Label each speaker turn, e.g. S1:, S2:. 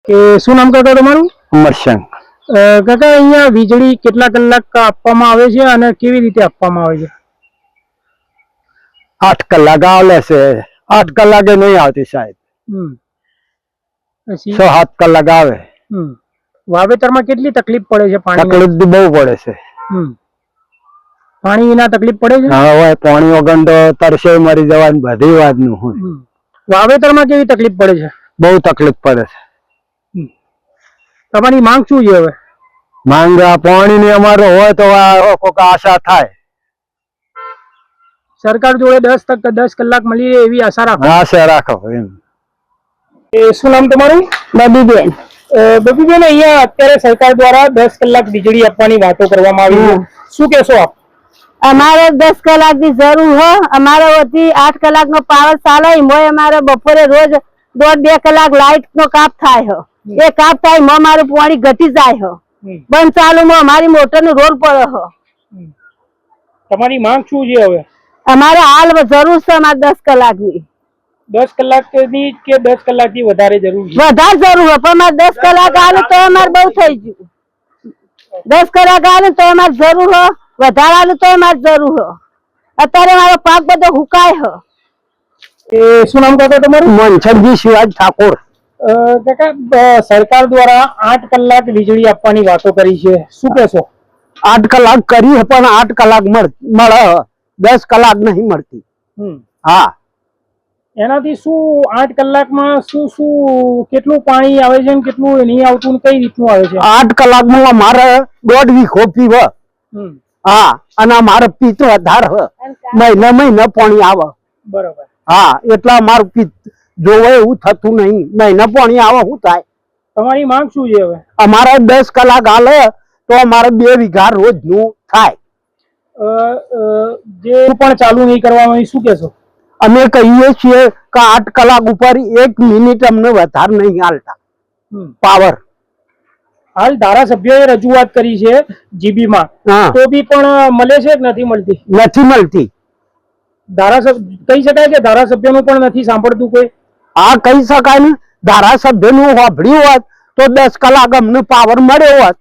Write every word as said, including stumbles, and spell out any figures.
S1: કે શું નામ કાકા તમારું?
S2: અમરસિંહ.
S1: કાકા અહીંયા વીજળી કેટલા કલાક આપવામાં આવે છે અને કેવી રીતે આપવામાં આવે છે?
S2: આઠ કલાક આવે છે. આઠ કલાકે નહીં આવતી સાહેબ.
S1: હમ
S2: છ સાત કલાક આવે.
S1: હમ વાવેતરમાં કેટલી તકલીફ પડે છે? પાણી
S2: તકલીફ બહુ પડે છે.
S1: હમ પાણી વિના તકલીફ પડે છે?
S2: હા હોય, પાણી વગર તો તરસે મરી જવાની બધી વાત નું હોય.
S1: વાવેતરમાં કેવી તકલીફ પડે છે?
S2: બહુ તકલીફ પડે છે.
S1: તમારી માંગ શું છે હવે?
S2: માંગ પાણી ની અમારે હોય તો કોઈક આશા થાય.
S1: સરકાર જોડે દસ ટકા દસ કલાક મળી રહે એવી આશા રાખો.
S2: આશા રાખો એમ.
S1: એ શું નામ તમારું?
S3: બબીબેન.
S1: બબીબેન, અહીંયા અત્યારે સરકાર દ્વારા દસ કલાક વીજળી આપવાની વાતો કરવામાં આવી છે, શું કહેશો આપ?
S3: અમારે દસ કલાક ની જરૂર હો. અમારે વધી આઠ કલાક નો પાવર ચાલે મોય અમારે બપોરે રોજ દોઢ બે કલાક લાઈટ નો કાપ થાય હો. એ કાપ થાય મો મારું પાણી ઘટી જાય હો. બંધ ચાલુ માં અમારી મોટર નો રોલ પડે હો.
S1: તમારી માંગ શું છે હવે?
S3: અમારે હાલ જરૂર છે અમારે દસ કલાક ની.
S1: દસ કલાક ની કે દસ કલાક થી વધારે જરૂર છે?
S3: વધારે જરૂર હોય પણ અમારે દસ કલાક આવે તો અમારે બહુ થઈ ગયું. દસ કલાક આવે તો અમારે જરૂર હો, વધારે આવે તો અમારે જરૂર હો. અત્યારે મારો પાક બધો હુકાય હો.
S1: એ શું નામ કાકા તમારું?
S2: મનસરજી શિવાજી ઠાકોર.
S1: કાકા, સરકાર દ્વારા આઠ કલાક વીજળી આપવાની વાતો કરી છે, શું કહેશો?
S2: આઠ કલાક કરી પણ આઠ કલાક મળે, દસ કલાક નહીં મળતી. હા,
S1: એનાથી શું આઠ કલાકમાં શું શું કેટલું પાણી આવે છે ને કેટલું નહીં આવતું, કઈ રીતનું આવે છે?
S2: આઠ કલાકમાં મારે દોઢ વીઘો પીવે. હા, અને મારે પીત વધારે મહિને મહિને પાણી આવે.
S1: બરોબર.
S2: હા, એટલા મારું પીત જોવે એવું થતું નહીં. મહિને પાણી આવે શું થાય?
S1: તમારી માંગ શું છે હવે?
S2: અમારે દસ કલાક હાલે તો અમારે બે વીઘા રોજ નું થાય.
S1: જે પણ ચાલુ નહીં કરવામાં, શું કેશો?
S2: અમે કહીએ છીએ કે આઠ કલાક ઉપર એક મિનિટ અમને વધારે નહીં હાલતા પાવર.
S1: હાલ ધારાસભ્યોએ રજૂઆત કરી છે જીબી માં, તો બી પણ મળે છે કે નથી મળતી?
S2: નથી મળતી.
S1: ધારાસભ્ય કહી શકાય કે ધારાસભ્યનું પણ નથી સાંભળતું કોઈ?
S2: હા, કહી શકાય ને. ધારાસભ્ય નું સાંભળ્યું હોત તો દસ કલાક અમને પાવર મળ્યો હોત